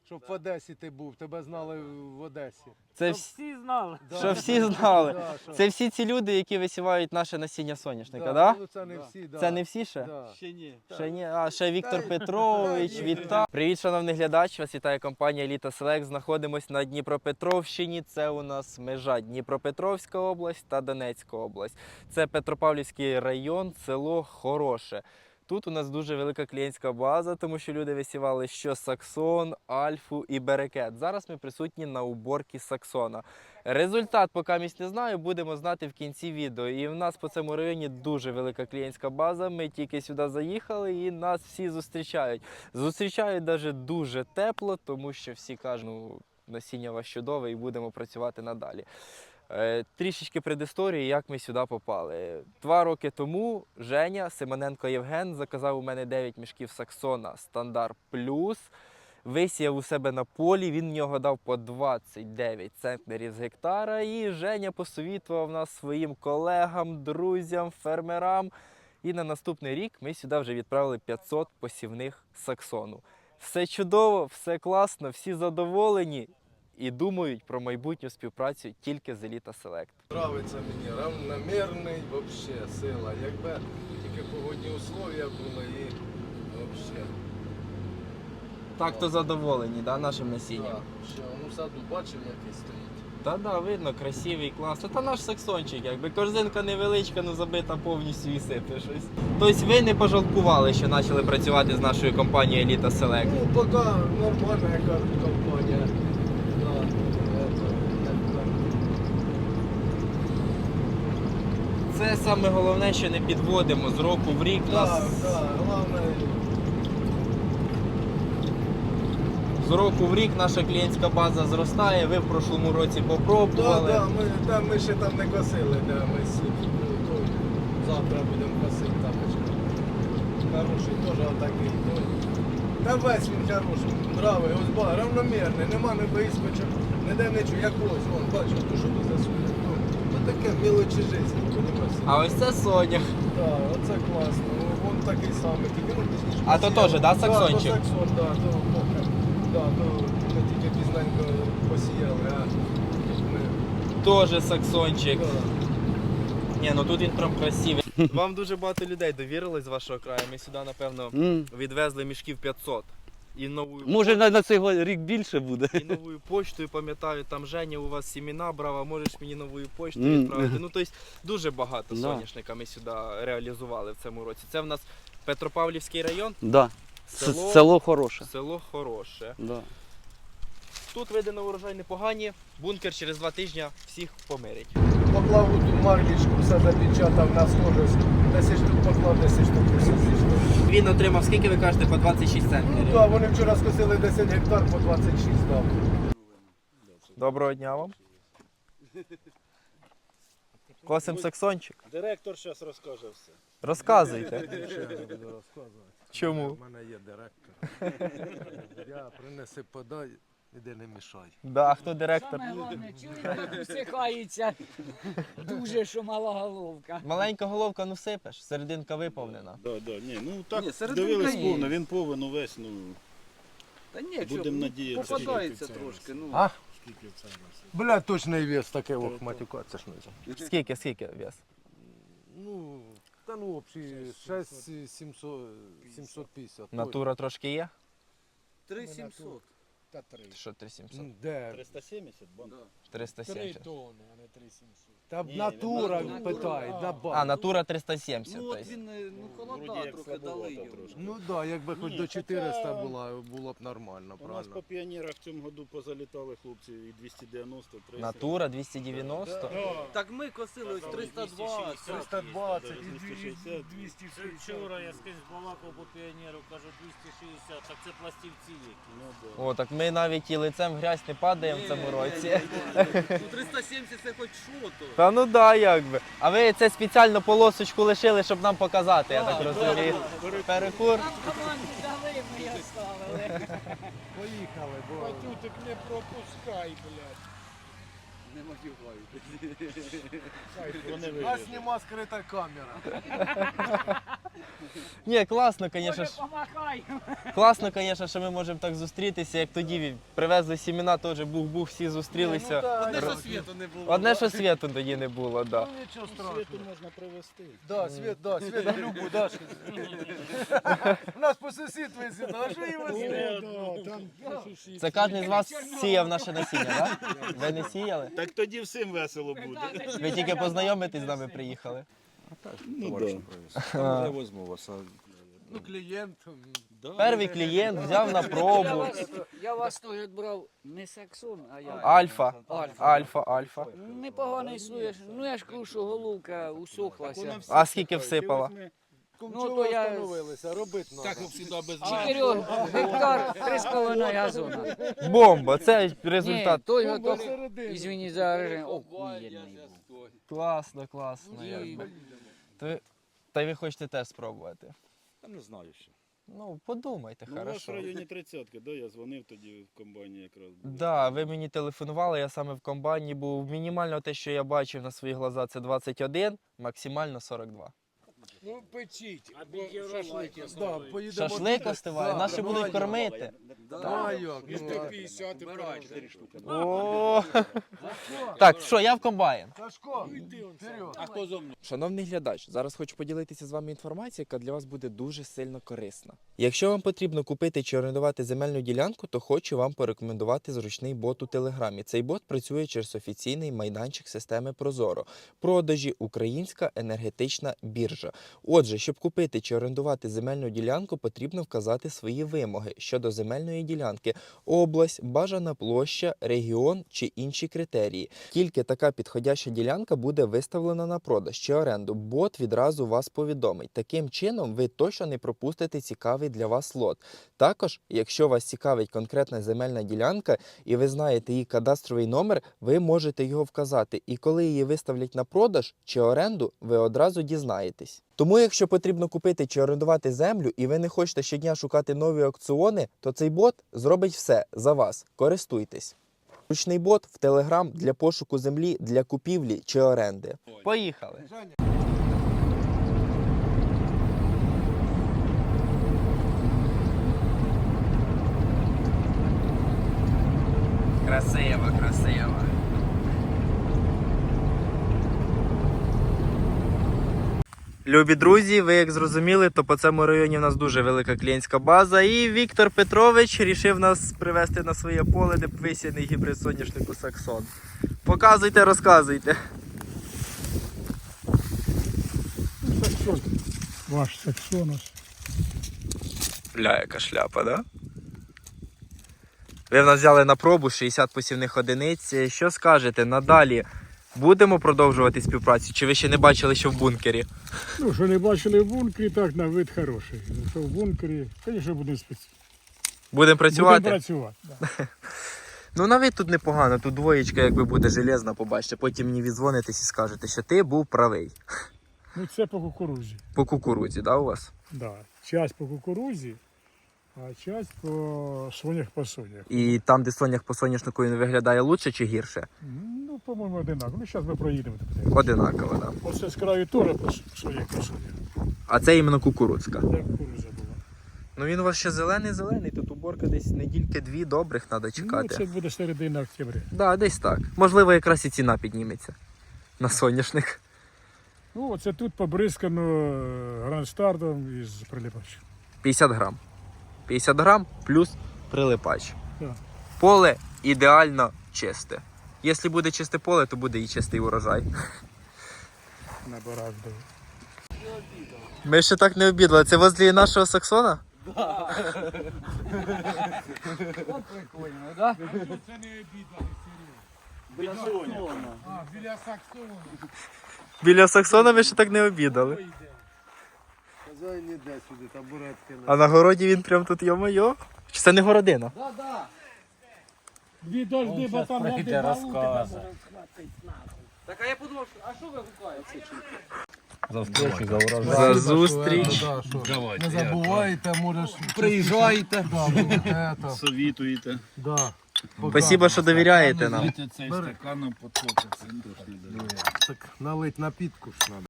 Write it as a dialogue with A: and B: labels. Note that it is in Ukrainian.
A: щоб в Одесі ти був, тебе знали в Одесі.
B: Це
C: Всі знали.
B: що всі знали.
A: Да, що-
B: Це всі ці люди, які висівають наше насіння соняшника,
A: да,
B: да?
A: ну, це не всі, да.
B: Це не всі ще?
A: Да.
C: Ще ні.
B: Ще ні, а ще Віктор Петрович,
A: ні.
B: вітаю. Привіт, шановний глядач, вас вітає компанія Еліта Селект. Знаходимось на Дніпропетровщині, це у нас межа Дніпропетровська область та Донецька область. Це Петропавлівський район, село Хороше. Тут у нас дуже велика клієнтська база, тому що люди висівали що Саксон, Альфу і Берекет. Зараз ми присутні на уборці Саксона. Результат поки місць не знаю, будемо знати в кінці відео. І в нас по цьому районі дуже велика клієнтська база. Ми тільки сюди заїхали і нас всі зустрічають. Зустрічають навіть дуже тепло, тому що всі кажуть, ну, насіння у вас чудове і будемо працювати надалі. Трішечки предісторії, як ми сюди попали. 2 роки тому Женя Симоненко Євген заказав у мене 9 мішків Саксона Стандарт Плюс. Висіяв у себе на полі, він в нього дав по 29 центнерів з гектара. І Женя посовітував нас своїм колегам, друзям, фермерам. І на наступний рік ми сюди вже відправили 500 посівних Саксону. Все чудово, все класно, всі задоволені. І думають про майбутню співпрацю тільки з Еліта Селект.
A: Нравиться мені, равномірний, взагалі, сила. Якби тільки погодні условия були і взагалі.
B: Так то задоволені, да, нашим насінням?
A: Так, що, ну в саду бачимо, який стоїть.
B: Та да, видно, красивий, клас. Та наш саксончик, якби корзинка невеличка, ну забита повністю і сипе щось. Тобто ви не пожалкували, що почали працювати з нашою компанією Еліта Селект?
A: Ну, поки нормальна яка компанія.
B: Це саме головне, що не підводимо з року в рік.
A: Так, так, головне.
B: З року в рік наша клієнтська база зростає. Ви в прошлому році попробували.
A: Так, ми ще там не косили, ми завтра будемо косити тапочку. Хороший, теж отакий. Та весь він хороший, бравий, ось ба, равномірний, нема не вискочок, ніде нічого, як ось, вон, бачу, то що тут засує. Ось таке мілочі життя, розумієш?
B: А ось це Соня.
A: Так, оце класно, вон такий самий, тільки ну пізніше.
B: А то теж, да, саксончик?
A: Так, то саксон, так, то поки. Так, то ми тільки пізненько посіяли, а ми...
B: Теж саксончик.
A: Так.
B: Ні, ну тут він прям красивий. Вам дуже багато людей довірилось з вашого краю. Ми сюди, напевно, відвезли мішків 500. І новою
D: Може на цей рік більше буде.
B: і новою почтою, пам'ятаю, там Женя у вас сімена брав, а можеш мені новою почтою відправити. Ну, тобто дуже багато
D: Да.
B: соняшника ми сюди реалізували в цьому році. Це в нас Петропавлівський район,
D: Да.
B: Село-
D: Село хороше.
B: село Хороше.
D: Да.
B: Тут види на урожай непогані, бункер через 2 тижні всіх помирить.
A: Поклав у ту марлічку, все запечатав на схожість. 10 штук поклав, 10 штук посів.
B: Він отримав, скільки ви кажете, по 26
A: Ну
B: центнерів.
A: так, вони вчора скосили 10 гектар по 26 дав.
B: Доброго дня вам. Косим саксончик.
C: Директор зараз розкаже все.
B: Розказуйте. Чому?
A: У мене є директор. Я принеси, подай, іди не мішай.
B: Да, а хто директор?
E: Саме головне, чуєте, як усихається дуже, що мала головка.
B: Маленька головка, ну сипеш, серединка виповнена.
C: Ні, ну так
E: Ні, серединка
C: дивились
E: є.
C: повно, він повинен увесь, ну,
E: Та ні,
C: будемо надіятися.
E: попадається трошки. Ну.
A: А? Бля, точний вес таке, ох, матюкатися ж не за.
B: Скільки вес?
A: Ну, та ну, взагалі, 750.
B: Натура трошки є?
E: 3700.
A: Та 3.
B: Що 3700?
A: Де?
C: 370 банк.
B: 370.
A: тонни, а не 3700. Та
C: Ні,
A: натура
C: натура.
A: питай, на
B: А,
A: банк.
B: натура 370.
E: Ну от
B: тобто.
E: він
C: Вроді
E: холода
C: як
E: трохи дали
C: слабовато
E: йому.
C: трошки.
A: Ну так, якби хоч
C: Ні,
A: до 400
C: хоча-
A: було б нормально,
C: У нас
A: правильно.
C: по піонерах в цьому году позалітали хлопці і 290, 300.
B: Натура 290.
E: Так ми косили ось 320.
A: 320
C: і 260.
A: 260.
F: Вчора я скрізь балакав по піонеру, кажу 260, так це пластівці які.
C: Ну, да.
B: О, так ми навіть і лицем в грязь не падаємо в цьому році.
E: Ну 370 це хоч що то.
B: Та ну да, якби. А ви це спеціально полосочку лишили, щоб нам показати, я так розумію. Перекур.
E: Нам команду дали, ми її оставили.
A: Поїхали, бо...
F: Матютик не пропускай, блядь.
C: Вони
A: А
C: вигідні.
A: сніма скрита камера.
B: Ні, класно, звісно.
E: Може, помахай.
B: Класно, звісно, що ми можемо так зустрітися, як тоді привезли сімена, теж бух-бух, всі зустрілися.
A: Одне, що
B: світу не було. Одне, що світу тоді не було, так. Да.
A: Ну нічого
C: Світу
A: страшного.
C: можна привезти.
A: Да, світ на любу, да. Нас по сусід висить, а що їм висить?
B: Це кожен з вас сіяв наше насіння, так? Да? Ви не сіяли?
C: Так тоді всім весело буде.
B: Ви тільки познайомитись з нами приїхали.
C: Ну, да.
G: Я возьму вас.
A: Ну, клієнт.
B: Перший клієнт взяв на пробу.
E: Я вас теж брав не саксон, а я.
B: Альфа.
E: Альфа.
B: Альфа.
E: Непоганий слуєш. Ну я ж кажу, що головка усохлася.
B: А скільки всипала?
A: Кумчова
E: то я-
A: встановилися, робити треба.
E: 4 гектар, 3,5 газона.
B: Бомба, це
E: Ні,
B: результат.
E: той
A: Бомба
E: готов.
A: всередині.
E: Извини за режим. Охуєнний був.
B: Класно, класно.
E: І
B: Та й ви хочете теж спробувати.
G: Я не знаю ще.
B: Ну, подумайте,
C: Ну, у вас в
B: хорошо.
C: районі 30-ки, да? Я дзвонив тоді в комбайні якраз. було.
B: Да, ви мені телефонували, я саме в комбайні був. Мінімально те, що я бачив на свої глаза, це 21, максимально 42.
A: Ну, печіть.
F: А шашлики
A: Да, поїдемо.
B: Шашлик остиває,
A: Да,
B: наші
A: ну,
B: будуть
A: а як?
B: кормити.
A: Ну, а як? Ну,
B: О! Так, що, я в комбайн.
A: Сашко, вперед.
F: А хто зо мною?
B: Шановний глядач, зараз хочу поділитися з вами інформацією, яка для вас буде дуже сильно корисна. Якщо вам потрібно купити чи орендувати земельну ділянку, то хочу вам порекомендувати зручний бот у Телеграмі. Цей бот працює через офіційний майданчик системи Прозоро. Продажі Українська енергетична біржа. Отже, щоб купити чи орендувати земельну ділянку, потрібно вказати свої вимоги щодо земельної ділянки: область, бажана площа, регіон чи інші критерії. Тільки така підходяща ділянка буде виставлена на продаж чи оренду. Бот відразу вас повідомить. Таким чином, ви точно не пропустите цікавий для вас лот. Також, якщо вас цікавить конкретна земельна ділянка і ви знаєте її кадастровий номер, ви можете його вказати. І коли її виставлять на продаж чи оренду, ви одразу дізнаєтесь. Тому, якщо потрібно купити чи орендувати землю, і ви не хочете щодня шукати нові аукціони, то цей бот зробить все за вас. Користуйтесь. Ручний бот в Telegram для пошуку землі, для купівлі чи оренди. Поїхали. Красиво, красиво. Любі друзі, ви як зрозуміли, то по цьому районі в нас дуже велика клієнтська база. І Віктор Петрович рішив нас привезти на своє поле, де висіяний гібрид соняшнику Саксон. Показуйте, розказуйте.
H: Саксон. Ваш Саксонус.
B: Бля, яка шляпа, да? Ви в нас взяли на пробу 60 посівних одиниць. Що скажете, надалі будемо продовжувати співпрацю? Чи ви ще не бачили, що в бункері?
H: Ну, що не бачили в бункері, так на вид хороший. Що в бункері, звісно, будемо
B: Будемо працювати?
H: Будемо працювати. Да.
B: Ну, на вид тут непогано, тут двоєчка якби буде железна, побачите. Потім мені віддзвонитесь і скажете, що ти був правий.
H: Ну, це по кукурузі.
B: По кукурудзі, да, у вас?
H: Да. Часть по кукурузі, а часть по сонях.
B: І там, де сонях по соняшнику, він виглядає лучше чи гірше?
H: Ну, по-моєму, одинаково. Ну, зараз ми проїдемо. Так.
B: Одинаково, да.
H: Оце з краю теж по сонях.
B: А це іменно кукурудзька.
H: Де кукуруза була.
B: Ну він у вас ще зелений, тут уборка десь недільки-дві добрих треба чекати.
H: Ну, це буде середина октября.
B: Да, десь так. Можливо, якраз і ціна підніметься на соняшник.
H: Ну, оце тут побризкано грандстартом із прилипачем.
B: 50 грам. 50 грам плюс прилипач.
H: Так.
B: Поле ідеально чисте. Якщо буде чисте поле, то буде і чистий урожай.
H: На барак дав.
B: Ми ще так не обідали. Це возле нашого Саксона?
E: Прикольно, да?
C: Біля Соня.
A: Біля Саксона.
B: Біля Саксона ви ще так не обідали.
A: Казай, не йде сюди, табуретки.
B: А на городі він прям тут, йо-моє. Чи це не городина?
H: Дві дожди, бо там
F: прийде, розкаже.
E: Так, а я подумав, а що ви гукаєте?
B: За зустріч.
A: Не забувайте, можеш...
G: Приїжджайте.
A: Да,
C: Совітуєте.
A: да.
B: Спасибо, що довіряєте нам.
A: Так налить напітку ж треба.